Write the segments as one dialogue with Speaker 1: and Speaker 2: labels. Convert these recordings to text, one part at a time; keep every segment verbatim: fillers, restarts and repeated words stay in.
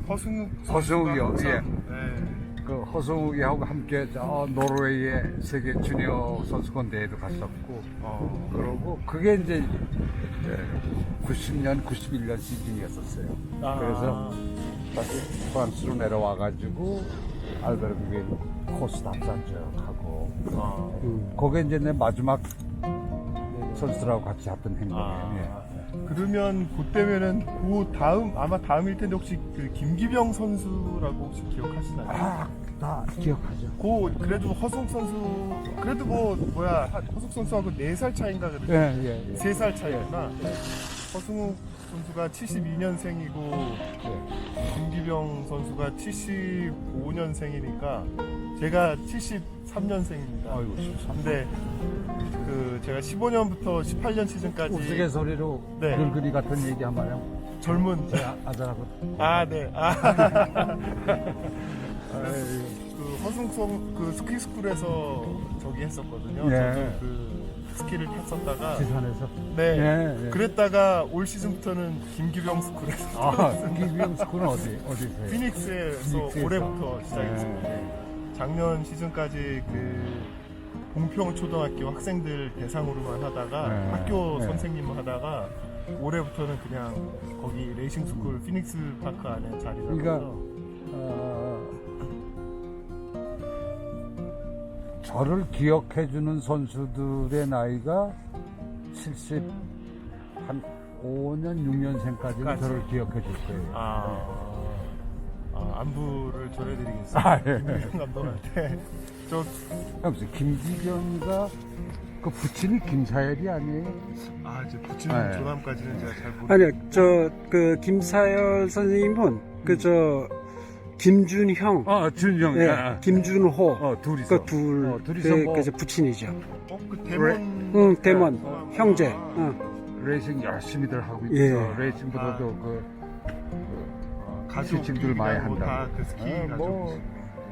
Speaker 1: 허승욱
Speaker 2: 허승욱이요.
Speaker 1: 선수가
Speaker 2: 예.
Speaker 1: 항상, 네.
Speaker 2: 그 허승욱이하고 함께 저 노르웨이의 세계 주니어 선수권 대회도 갔었고,
Speaker 1: 어,
Speaker 2: 그러고 그게 이제 구십 년, 구십일 년 시즌이었었어요.
Speaker 1: 아.
Speaker 2: 그래서 다시 프랑스로 내려와가지고 알베르게 코스 답산 쭉 하고,
Speaker 1: 아,
Speaker 2: 음, 그게 이제 내 마지막 선수들하고 같이 했던 행동이에요.
Speaker 1: 아.
Speaker 2: 예.
Speaker 1: 그러면 그때면은 그 다음 아마 다음일 텐데 혹시 그 김기병 선수라고 혹시 기억하시나요?
Speaker 2: 아, 다 기억하죠.
Speaker 1: 그 그래도 허승 선수 그래도 뭐 뭐야 허승 선수하고 네 살 차인가 그래도
Speaker 2: 예, 예, 예.
Speaker 1: 세 살 차이구나. 허승욱 선수가 칠십이 년생이고
Speaker 2: 예.
Speaker 1: 김기병 선수가 칠십오 년생이니까 제가 칠십삼 년생입니다.
Speaker 2: 아이고, 십삼.
Speaker 1: 근데 그 제가 십오 년부터 십팔 년 시즌까지
Speaker 2: 우스갯소리로
Speaker 1: 네.
Speaker 2: 늙은이 같은 얘기 한번 해요.
Speaker 1: 젊은
Speaker 2: 제 아들하고.
Speaker 1: 아 네. 아.
Speaker 2: 아이고.
Speaker 1: 그 허승성 그 스키 스쿨에서 저기 했었거든요.
Speaker 2: 예.
Speaker 1: 저도 그 스키를 탔었다가
Speaker 2: 지산에서.
Speaker 1: 네.
Speaker 2: 예, 예.
Speaker 1: 그랬다가 올 시즌부터는 김기병 스쿨에서
Speaker 2: 아, 김기병 스쿨은 어디, 어디세요?
Speaker 1: 피닉스에서
Speaker 2: 피닉스에서.
Speaker 1: 올해부터 시작했습니다.
Speaker 2: 예.
Speaker 1: 작년 시즌까지 그 봉평 초등학교 학생들 대상으로만 하다가
Speaker 2: 네.
Speaker 1: 학교
Speaker 2: 네.
Speaker 1: 선생님을 하다가 올해부터는 그냥 거기 레이싱 스쿨 피닉스 파크 안에 자리 잡아서
Speaker 2: 그러니까, 어, 저를 기억해주는 선수들의 나이가 칠십, 한 오 년, 육 년생까지는
Speaker 1: 까지.
Speaker 2: 저를 기억해줄 거예요.
Speaker 1: 아, 아, 안부를 전해드리겠습니다.
Speaker 2: 아, 예.
Speaker 1: 김기병 감독한테 저
Speaker 2: 무슨 김기병이가 그 부친이 김사열이 아니에요?
Speaker 1: 아, 이제 붙이는
Speaker 2: 네.
Speaker 1: 조남까지는 제가 잘 모르.
Speaker 3: 아니요, 저 그 김사열 선생님은 그 저 김준형,
Speaker 2: 어, 준영.
Speaker 3: 예,
Speaker 2: 아,
Speaker 3: 김준호,
Speaker 2: 어, 둘이서.
Speaker 3: 그 둘,
Speaker 2: 어, 둘이서
Speaker 3: 그,
Speaker 2: 뭐-
Speaker 3: 그 저 부친이죠.
Speaker 1: 어, 그 대문.
Speaker 3: 응, 대먼
Speaker 1: 아,
Speaker 3: 형제.
Speaker 1: 아,
Speaker 3: 응.
Speaker 2: 레이싱 열심히들 하고 있어.
Speaker 3: 예.
Speaker 2: 레이싱보다도
Speaker 1: 아.
Speaker 2: 그,
Speaker 1: 어,
Speaker 2: 그
Speaker 1: 가족
Speaker 2: 지칭들 많이
Speaker 1: 뭐
Speaker 2: 한다고.
Speaker 1: 다그 스키
Speaker 2: 어,
Speaker 1: 가족.
Speaker 2: 뭐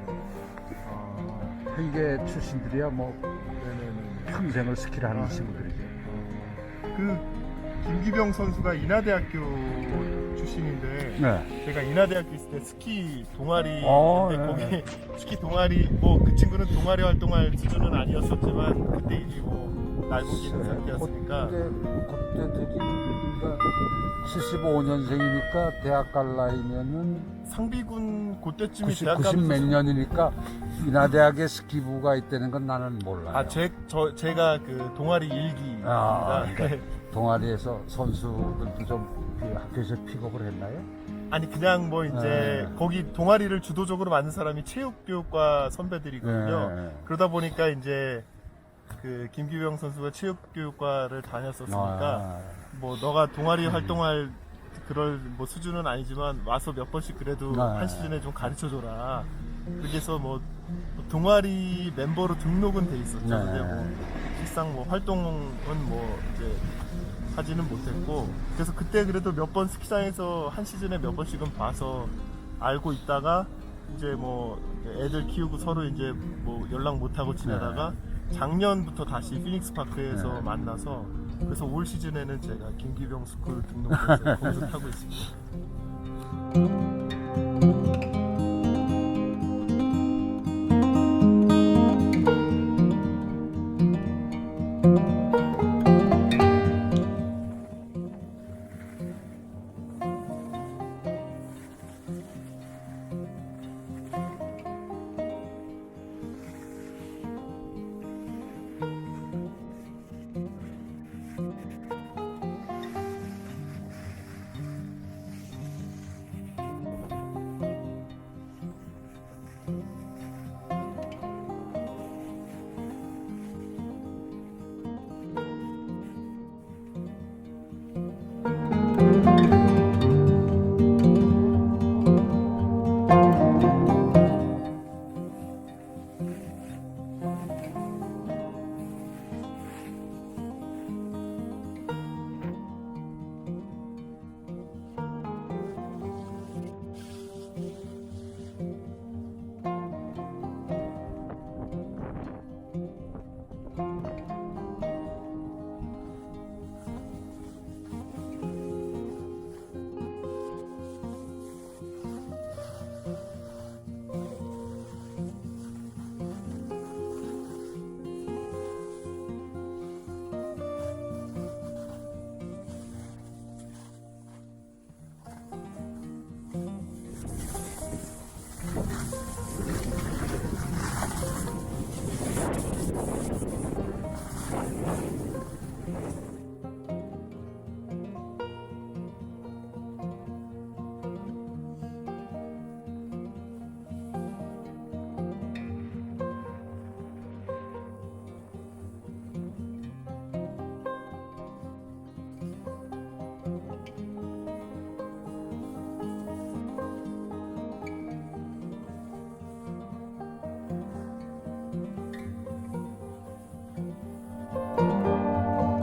Speaker 1: 아,
Speaker 2: 회계 출신들이야 뭐 평생을 스키를 하는 친구들이죠.
Speaker 1: 그 김기병 선수가 인하대학교 출신인데
Speaker 2: 네.
Speaker 1: 제가 인하대학교 있을 때 스키 동아리
Speaker 2: 어,
Speaker 1: 근데
Speaker 2: 네.
Speaker 1: 거기 스키 동아리 뭐 그 친구는 동아리 활동할 수준은 아니었었지만 그때 이미 뭐 날고기는 상태였으니까
Speaker 2: 그때 그때 되지. 그러니까 칠십오 년생이니까 대학 갈 나이면은
Speaker 1: 상비군 그때쯤이
Speaker 2: 구십,
Speaker 1: 대학
Speaker 2: 구십 몇
Speaker 1: 가면서
Speaker 2: 년이니까 인하대학에 스키부가 있다는 건 나는 몰라요.
Speaker 1: 아, 제, 저, 제가 그 동아리 일기입니다.
Speaker 2: 아, 그러니까 동아리에서 선수들도 좀 그 학교에서 픽업을 했나요?
Speaker 1: 아니, 그냥 뭐 이제
Speaker 2: 네.
Speaker 1: 거기 동아리를 주도적으로 만든 사람이 체육교육과 선배들이거든요.
Speaker 2: 네.
Speaker 1: 그러다 보니까 이제 그 김기병 선수가 체육교육과를 다녔었으니까
Speaker 2: 아,
Speaker 1: 뭐 너가 동아리 활동할 그럴 뭐 수준은 아니지만 와서 몇 번씩 그래도
Speaker 2: 네.
Speaker 1: 한 시즌에 좀 가르쳐 줘라. 그렇게 해서 뭐 동아리 멤버로 등록은 돼 있었죠.
Speaker 2: 네.
Speaker 1: 근데 뭐 실상 뭐 활동은 뭐 이제 하지는 못했고 그래서 그때 그래도 몇 번 스키장에서 한 시즌에 몇 번씩은 봐서 알고 있다가 이제 뭐 애들 키우고 서로 이제 뭐 연락 못 하고 지내다가 작년부터 다시 피닉스 파크에서
Speaker 2: 네.
Speaker 1: 만나서 그래서 올 시즌에는 제가 김기병 스쿨 등록해서 거기서 타고 있습니다.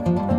Speaker 1: 네.